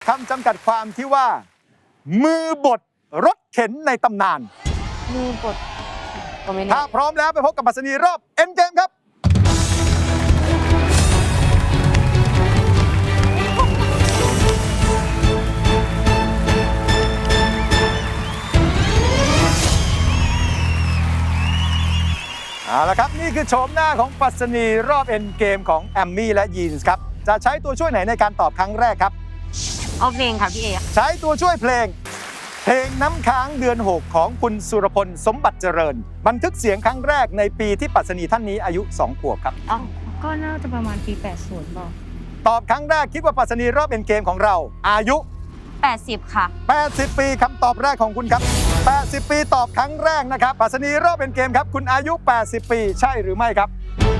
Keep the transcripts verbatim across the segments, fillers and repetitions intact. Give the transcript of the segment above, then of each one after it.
คำจำกัดความที่ว่า มือบดรถเข็นในตำนานมือบดก็ไม่แน่ถ้าพร้อมแล้วไปพบกับปรัชนีรอบเอ็นเกมครับเอาละครับนี่คือโฉมหน้าของปรัชนีรอบเอ็นเกมของแอมมี่และยีนส์ครับจะใช้ตัวช่วยไหนในการตอบครั้งแรกครับเอาเพลงค่ะพี่เอใช้ตัวช่วยเพลง เพลงน้ำค้างเดือนหกของคุณสุรพลสมบัติเจริญ บันทึกเสียงครั้งแรกในปีที่ปรัชนีท่านนี้อายุสองขวบครับอ๋อก็น่าจะประมาณปี แปดสิบบอกตอบครั้งแรกคิดว่าปรัชนีรอบเอ็นเกมของเรา อายุแปดสิบค่ะแปดสิบ ปีคำตอบแรกของคุณครับ แปดสิบ ปีตอบครั้งแรกนะครับปรัชนีรอบเอ็นเกมครับคุณอายุ แปดสิบ ปีใช่หรือไม่ครับ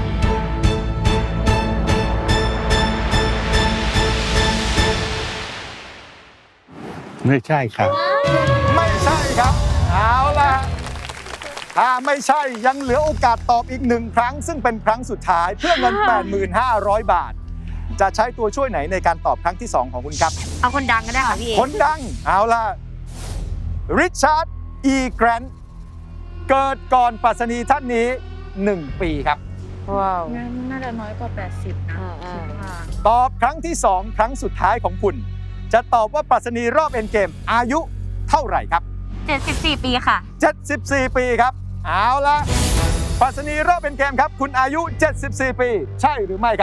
ไม่ใช่ครับไม่ใช่ครับ เอาล่ะถ้าไม่ใช่ยังเหลือโอกาสตอบอีกหนึ่งครั้ง ซึ่งเป็นครั้งสุดท้ายเพื่อเงิน แปดพันห้าร้อย บาท จะใช้ตัวช่วยไหนในการตอบครั้งที่สองของคุณครับเอาคนดังก็ได้ค่ะพี่เอคนดัง เอาล่ะ ริชาร์ด อีแกรนท์เกิดก่อนปรัชนีท่านนี้ หนึ่ง ปีครับว้าวงั้นน่าจะน้อยกว่า แปดสิบ นะอ่าอ่าคิดว่าตอบครั้งที่สองครั้งสุดท้ายของคุณ จะตอบว่าปรัชนีรอบเอ็นเกมอายุเท่าไหร่ครับเจ็ดสิบสี่ปีค่ะเจ็ดสิบสี่ ปีครับ เอาละปรัชนีรอบเป็นเกมครับ คุณอายุ เจ็ดสิบสี่ ปี ใช่หรือไม่ครับ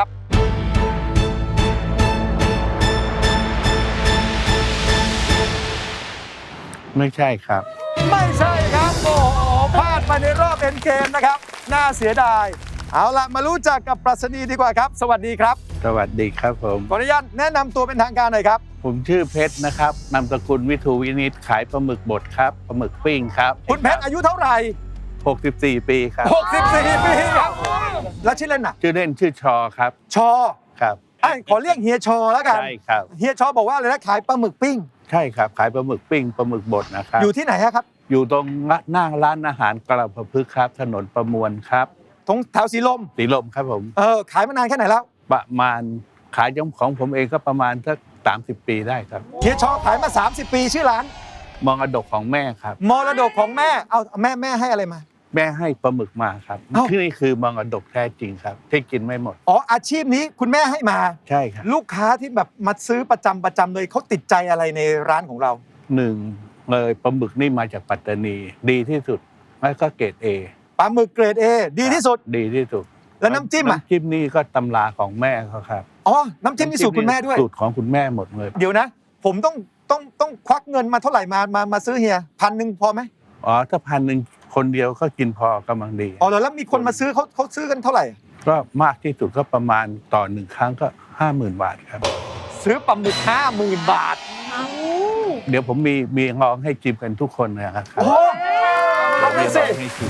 ไม่ใช่ครับไม่ใช่ครับ โอ้โหพลาดไปในรอบเป็นเกมนะครับ น่าเสียดาย เอาละมารู้จักกับปรัชนีดีกว่าครับ สวัสดีครับสวัสดีครับผมขออนุญาตแนะนำตัวเป็นทางการหน่อยครับผมชื่อเพชรนะครับนามสกุลวิทูวินิตขายปลาหมึกบดครับปลาหมึกปิ้งครับคุณเพชรอายุเท่าไหร่หกสิบสี่ ปีครับหกสิบสี่ ปีครับ แล้วชื่อเล่นน่ะชื่อเล่นชื่อชอครับชอครับไอ้ยขอเรียกเฮียชอแล้วกันใช่ครับเฮียชอบอกว่าอะไรนะขายปลาหมึกปิ้งใช่ครับ ขายปลาหมึกปิ้งปลาหมึกบดนะครับอยู่ที่ไหนอะครับอยู่ตรงหน้าร้านอาหารกระพฤกษ์ครับ ถนนประมวลครับตรงแถวสีลมสีลมครับผมเออ ขายมานานแค่ไหนแล้วประมาณขายของผมเองก็ประมาณสักสามสิบ ปีได้ครับเฮียชอขายมา สามสิบ ปีชื่อร้านมองอดกของแม่ครับมรดกของแม่ เอาแม่แม่ให้อะไรมาแม่ให้ปลาหมึกมาครับเอ้าที่นี่คือมองอดกแท้จริงครับ ที่กินไม่หมดอ๋ออาชีพนี้คุณแม่ให้มาใช่ครับลูกค้าที่แบบมาซื้อประจำประจำเลยเขาติดใจอะไรในร้านของเราหนึ่งเลยปลาหมึกนี่มาจากปัตตานี ดีที่สุดแล้วก็เกรดเอปลาหมึกเกรด A ดีที่สุดดีที่สุดแล้วน้ำจิ้มอะน้ำจิ้มนี่ก็ตำราของแม่เขาครับอ๋อ น้ำจิ้มนี่สูตรคุณแม่ด้วยสูตรของคุณแม่หมดเลยเดี๋ยวนะ ผมต้องต้องต้องควักเงินมาเท่าไหร่มามามาซื้อเฮียพันหนึ่งพอไหมอ๋อถ้าพันหนึ่งคนเดียวก็กินพอกำลังดีอ๋อแล้วมีคนมาซื้อเขาเขาซื้อกันเท่าไหร่ก็มากที่สุดก็ประมาณต่อหนึ่งครั้งก็ห้าหมื่นบาทครับซื้อปลาหมึกห้าหมื่นบาทเดี๋ยวผมมีมีลองให้จิมกันทุกคนนะครับโอ้โหเอาไปสิมีลองให้ชิม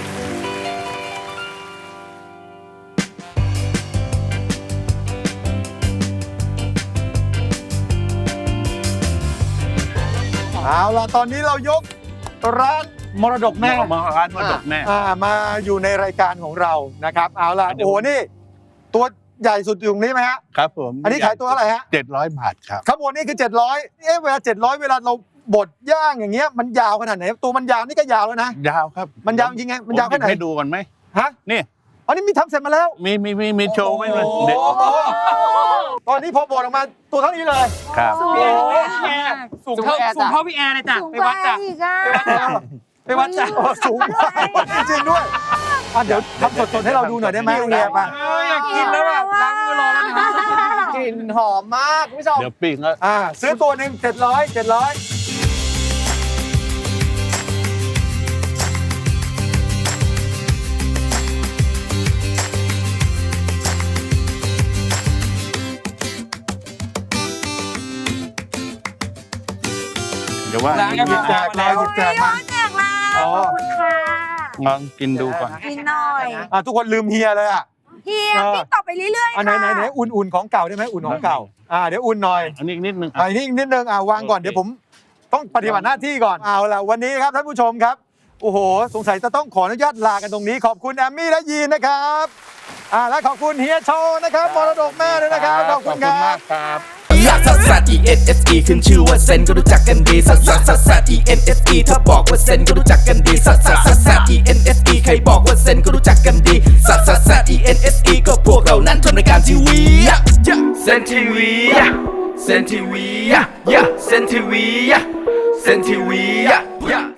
เอาล่ะตอนนี้เรายกร้านมรดกแม่มองร้านมรดกแม่อ่ามาอยู่ในรายการของเรานะครับ เอาล่ะเดี๋ยวโอ้โหนี่ ตัวใหญ่สุดอยู่ตรงนี้ไหมฮะครับผมอันนี้ขายตัวอะไรฮะเจ็ดร้อยบาทครับข้างบนนี่คือเจ็ดร้อยเอ๊ะเวลาเจ็ดร้อยเวลาเราบดย่างอย่างเงี้ยมันยาวขนาดไหนตัวมันยาวนี่ก็ยาวแล้วนะยาวครับมันยาวจริงไงมันยาวแค่ไหนผให้ดูก่อนไหมฮะนี่อันนี้มีทำเสร็จมาแล้วมีมีมีมีโชว์ไหมเลยโอ้เด็ดโหตอนนี้พอบดออกมาตัวเท่านี้เลยครับโอ้โหสูงเท่าสูงเท่าพี่แอร์เลยจ้ะสูงไปกวัว่าดจ้ะอีกอ่ะไปวัดจ้ะโอ้สูงมากจริงๆด้วยอ่ะเดี๋ยวทำสดๆให้เราดูหน่อยได้ไหมเฮียป่ะเอออยากกินแล้วแบบล้างมือรอแล้วนะกลิ่นหอมมากคุณผู้ชมเดี๋ยวปิ้งแล้วอ่าซื้อตัวหนึ่งเจ็ดร้อยเจ็ดร้อยเดี๋ยวว่าล้างกันหยิบแจกมาหยิบแจกมาแจกแล้วอ๋อขอบคุณค่ะลองกินดูก่อนกินหน่อยอ่ะทุกคนลืมเฮียเลยอ่ะเฮียติ๊กต่อไปเรื่อยๆอันไหนไหนไหนอุ่นๆของเก่าได้ไหมอุ่นของเก่าอ่าเดี๋ยวอุ่นหน่อยอันนี้อีกนิดนึงอ่านี่อีกนิดนึงอ่าวางก่อนโอเคเดี๋ยวผมต้องปฏิบัติหน้าที่ก่อนเอาล่ะวันนี้ครับท่านผู้ชมครับโอ้โหสงสัยจะต้องขออนุญาตลากันตรงนี้ ขอบคุณแอมมี่และยีนนะครับอ่าและขอบคุณเฮียโชว์นะครับมรดกแม่ด้วยนะครับขอบคุณคขอบคุณรัมาบกครับลซัสซัส E N S E ขึ้นชื่อว่าเซนก็รู้จักกันดีซัสซัสซัสซัส E N S E ถ้าบอกว่าเซนก็รู้จักกันดีซัสซัสซัสซัส E N S E ใครบอกว่าเซนก็รู้จักกันดีซัสซัสซัส E N S E ก็พวกเรานั้นทำรายการทีวีเซนทีวีเซนทีวีเซนทีวีเซนทีวี